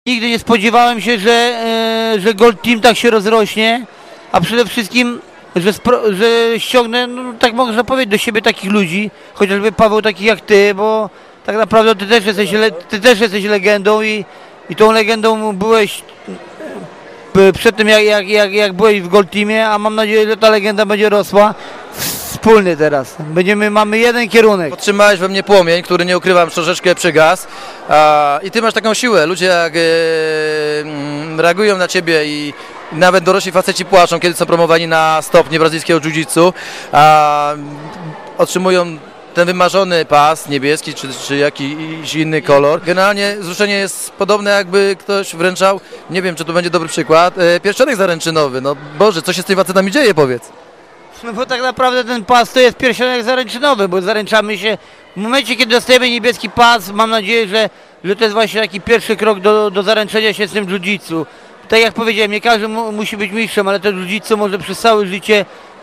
Nigdy nie spodziewałem się, że Gold Team tak się rozrośnie, a przede wszystkim, że ściągnę, no, tak można powiedzieć, do siebie takich ludzi, chociażby Paweł, takich jak ty, bo tak naprawdę ty też jesteś legendą i tą legendą byłeś przed tym, jak byłeś w Gold Teamie, a mam nadzieję, że ta legenda będzie rosła. Wspólny teraz. Mamy jeden kierunek. Podtrzymałeś we mnie płomień, który, nie ukrywam, troszeczkę przygasł. I ty masz taką siłę. Ludzie jak reagują na ciebie i nawet dorośli faceci płaczą, kiedy są promowani na stopnie brazylijskiego jiu-jitsu, otrzymują ten wymarzony pas niebieski czy jakiś inny kolor. Generalnie wzruszenie jest podobne, jakby ktoś wręczał, nie wiem, czy to będzie dobry przykład, pierścionek zaręczynowy. No Boże, co się z tymi facetami dzieje, powiedz? No bo tak naprawdę ten pas to jest pierścionek zaręczynowy, bo zaręczamy się w momencie, kiedy dostajemy niebieski pas. Mam nadzieję, że to jest właśnie taki pierwszy krok do zaręczenia się z tym jiu-jitsu. Tak jak powiedziałem, nie każdy musi być mistrzem, ale to jiu-jitsu może przez całe życie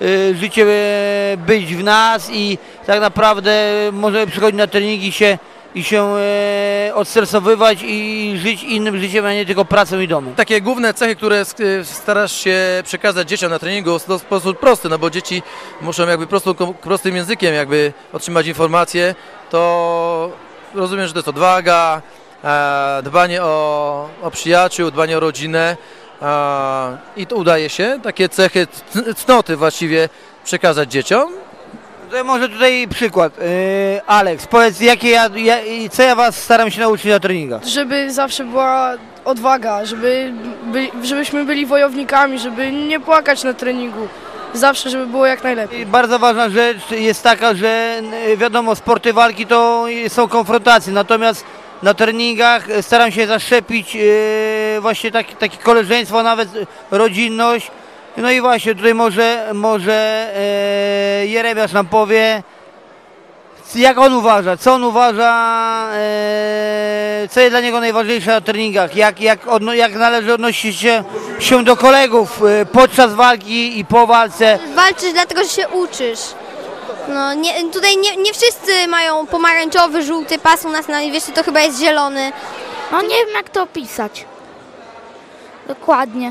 być w nas i tak naprawdę możemy przychodzić na treningi i się odstresowywać i żyć innym życiem, a nie tylko pracą i domem. Takie główne cechy, które starasz się przekazać dzieciom na treningu, to w sposób prosty, no bo dzieci muszą jakby prostym językiem jakby otrzymać informacje, to rozumiem, że to jest odwaga, dbanie o przyjaciół, dbanie o rodzinę i to udaje się, takie cechy, cnoty właściwie przekazać dzieciom. Może tutaj przykład. Aleks, powiedz, co ja was staram się nauczyć na treningach? Żeby zawsze była odwaga, żebyśmy byli wojownikami, żeby nie płakać na treningu. Zawsze, żeby było jak najlepiej. Bardzo ważna rzecz jest taka, że wiadomo, sporty walki to są konfrontacje, natomiast na treningach staram się zaszczepić właśnie takie koleżeństwo, nawet rodzinność. No i właśnie tutaj może Jeremiasz nam powie, jak on uważa, co on uważa, co jest dla niego najważniejsze na treningach, jak należy odnosić się do kolegów podczas walki i po walce. Walczysz dlatego, że się uczysz. No, tutaj nie wszyscy mają pomarańczowy, żółty pas, u nas na Niewieście to chyba jest zielony. No nie wiem, jak to opisać. Dokładnie.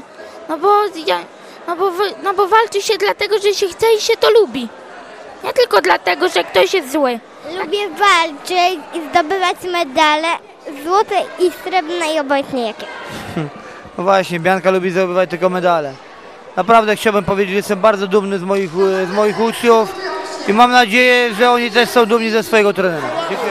No bo walczy się dlatego, że się chce i się to lubi. Nie tylko dlatego, że ktoś jest zły. Lubię walczyć i zdobywać medale, złote i srebrne i obojętnie jakie. No właśnie, Bianka lubi zdobywać tylko medale. Naprawdę chciałbym powiedzieć, że jestem bardzo dumny z moich uczniów i mam nadzieję, że oni też są dumni ze swojego trenera. Dziękuję.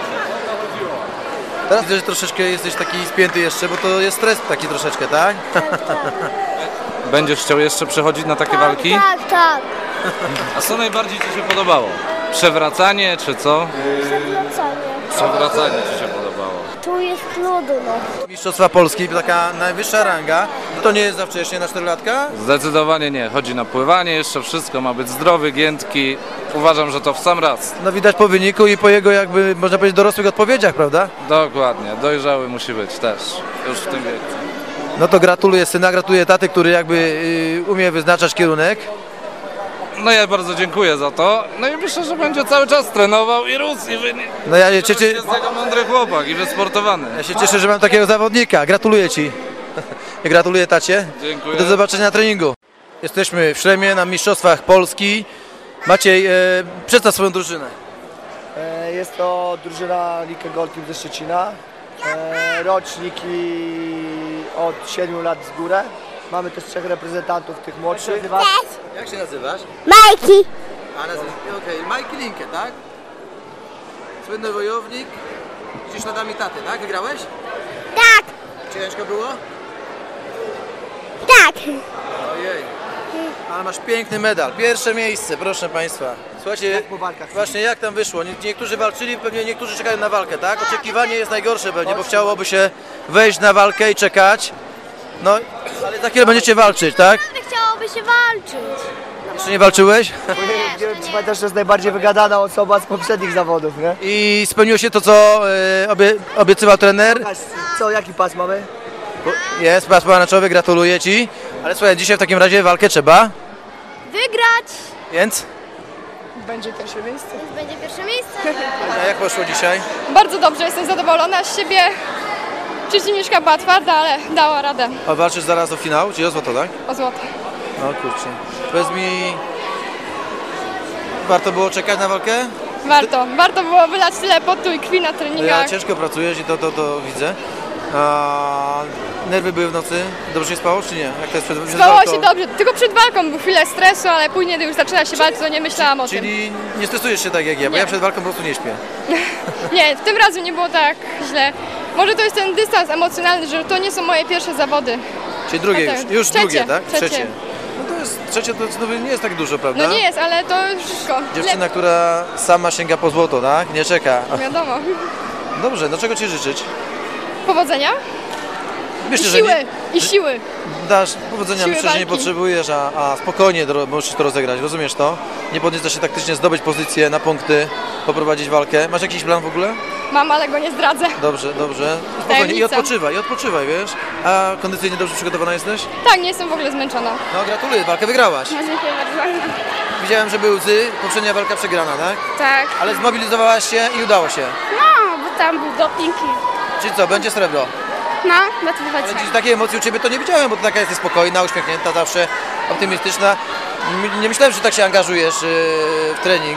Teraz widzę, że troszeczkę jesteś taki spięty jeszcze, bo to jest stres taki troszeczkę, tak? Będziesz chciał jeszcze przechodzić na takie walki? Tak. A co najbardziej Ci się podobało? Przewracanie czy co? Przewracanie Ci się podobało. Tu jest trudno. Mistrzostwa Polski, taka najwyższa ranga. To nie jest za wcześnie na 4-latka? Zdecydowanie nie. Chodzi na pływanie, jeszcze wszystko ma być zdrowy, giętki. Uważam, że to w sam raz. No widać po wyniku i po jego jakby, można powiedzieć, dorosłych odpowiedziach, prawda? Dokładnie. Dojrzały musi być też. Już w tym wieku. No to gratuluję syna, gratuluję taty, który jakby umie wyznaczać kierunek. No ja bardzo dziękuję za to. No i myślę, że będzie cały czas trenował i rósł i wynik. No ja się cieszę. Jest tego mądry chłopak i wysportowany. Ja się cieszę, że mam takiego zawodnika. Gratuluję Ci. Gratuluję tacie. Dziękuję. Do zobaczenia na treningu. Jesteśmy w Szremie na Mistrzostwach Polski. Maciej, przedstaw swoją drużynę. Jest to drużyna Like Gold Team ze Szczecina. Roczniki od 7 lat z górę. Mamy też 3 reprezentantów tych młodszych. Jak się nazywasz? Majki! Okej, Majki Linkę, tak? Słynny wojownik. Gdzieś śladami taty, tak? Wygrałeś? Tak! Ciężko było? Tak! Ojej. Ale masz piękny medal. Pierwsze miejsce, proszę Państwa. Słuchajcie, właśnie jak tam wyszło? Niektórzy walczyli, pewnie niektórzy czekają na walkę, tak? Oczekiwanie jest najgorsze pewnie, bo chciałoby się wejść na walkę i czekać. No, ale za chwilę będziecie walczyć, tak? Chciałoby się walczyć. Jeszcze nie walczyłeś? Nie wiem, czy pamiętasz, to jest najbardziej wygadana osoba z poprzednich zawodów, nie? I spełniło się to, co obiecywał trener. Jaki pas mamy? Jest pas pomarańczowy, gratuluję Ci. Ale słuchaj, dzisiaj w takim razie walkę trzeba Wygrać! Więc? Będzie pierwsze miejsce. Będzie pierwsze miejsce. A jak poszło dzisiaj? Bardzo dobrze, jestem zadowolona z siebie. Przeciwniczka była twarda, ale dała radę A walczysz zaraz o finał, czyli o złoto, tak? o złoto. No kurczę. Powiedz mi, warto było czekać na walkę? Warto było wylać tyle potu i krwi na Ja treningach. ciężko pracujesz i to widzę. A nerwy były w nocy? Dobrze się spało, czy nie? Jak to jest przed Spało walką? się dobrze, tylko przed walką był chwilę stresu, ale później, gdy już zaczęła się walczyć, to nie myślałam o tym. Czyli nie stresujesz się tak jak ja, bo Nie. ja przed walką po prostu nie śpię. Nie, tym razem nie było tak źle. Może to jest ten dystans emocjonalny, że to nie są moje pierwsze zawody. Czyli drugie A tak, już trzecie, drugie, tak? trzecie. No to jest trzecie, to znowu nie jest tak dużo, prawda? No nie jest, ale to już wszystko. Dziewczyna, która sama sięga po złoto, tak? Nie czeka. Wiadomo. Dobrze, no czego ci życzyć? Powodzenia Myślę, i że siły, nie, i siły. dasz powodzenia, Siły myślę, że nie walki. potrzebujesz, a spokojnie możesz to rozegrać, rozumiesz to? Nie podniecasz się taktycznie, zdobyć pozycję na punkty, poprowadzić walkę. Masz jakiś plan w ogóle? Mam, ale go nie zdradzę. Dobrze. Spokojnie Tajemnica. i odpoczywaj, wiesz? A kondycyjnie dobrze przygotowana jesteś? Tak, nie jestem w ogóle zmęczona. No gratuluję, walkę wygrałaś. No, dziękuję bardzo. Widziałem, że były łzy, poprzednia walka przegrana, tak? Tak. Ale zmobilizowałaś się i udało się. No, bo tam był doping Czyli co, będzie srebro? no, na tym Ale dziś takiej emocji u Ciebie to nie widziałem, bo Ty taka jesteś spokojna, uśmiechnięta, zawsze optymistyczna. Nie myślałem, że tak się angażujesz w trening.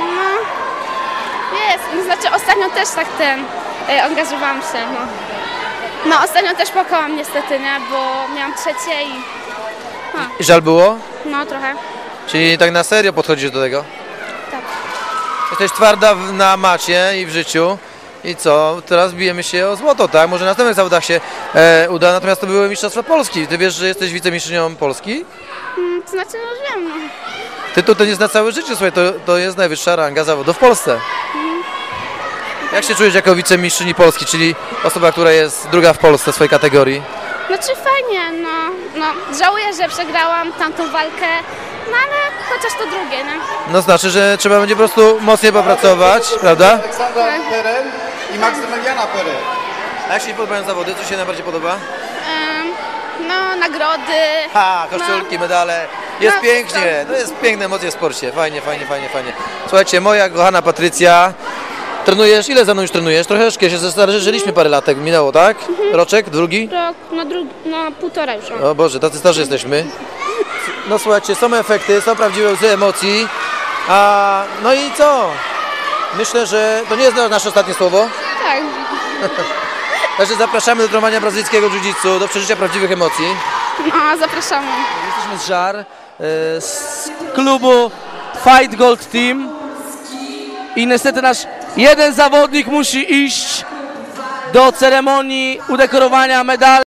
Jest, no, znaczy ostatnio też tak angażowałam się, no. No, ostatnio też płakałam niestety, nie, bo miałam trzecie i I żal było? no trochę. Czyli tak na serio podchodzisz do tego? Tak. Jesteś twarda na macie i w życiu. I co? Teraz bijemy się o złoto, tak? Może na następnych zawodach się uda, natomiast to były Mistrzostwa Polski. Ty wiesz, że jesteś wicemistrzynią Polski? To znaczy, no wiem, no. Tytuł to jest na całe życie, słuchaj, to jest najwyższa ranga zawodu w Polsce. Jak się czujesz jako wicemistrzyni Polski, czyli osoba, która jest druga w Polsce w swojej kategorii? Znaczy fajnie, no, żałuję, że przegrałam tamtą walkę, no ale chociaż to drugie, nie? No znaczy, że trzeba będzie po prostu mocniej popracować, prawda? Aleksandra Peren i Maksymiliana Peren. A jak się podobają zawody? Co się najbardziej podoba? No, nagrody. Ha, koszulki, medale. Jest No, pięknie, to jest piękne emocje w sporcie. Fajnie. Słuchajcie, moja kochana Patrycja, trenujesz? Ile za mną już trenujesz? Troszeczkę się zestarzeliśmy parę latek, minęło, tak? Roczek, drugi? Rok, no półtora już. O Boże, tacy starzy jesteśmy. No słuchajcie, są efekty, są prawdziwe łzy emocji. No i co? Myślę, że to nie jest nasze ostatnie słowo. Tak. Także zapraszamy do trenowania brazylijskiego jiu-jitsu, do przeżycia prawdziwych emocji. No, zapraszamy. Jesteśmy z Żar, z klubu Fight Gold Team i niestety nasz jeden zawodnik musi iść do ceremonii udekorowania medali.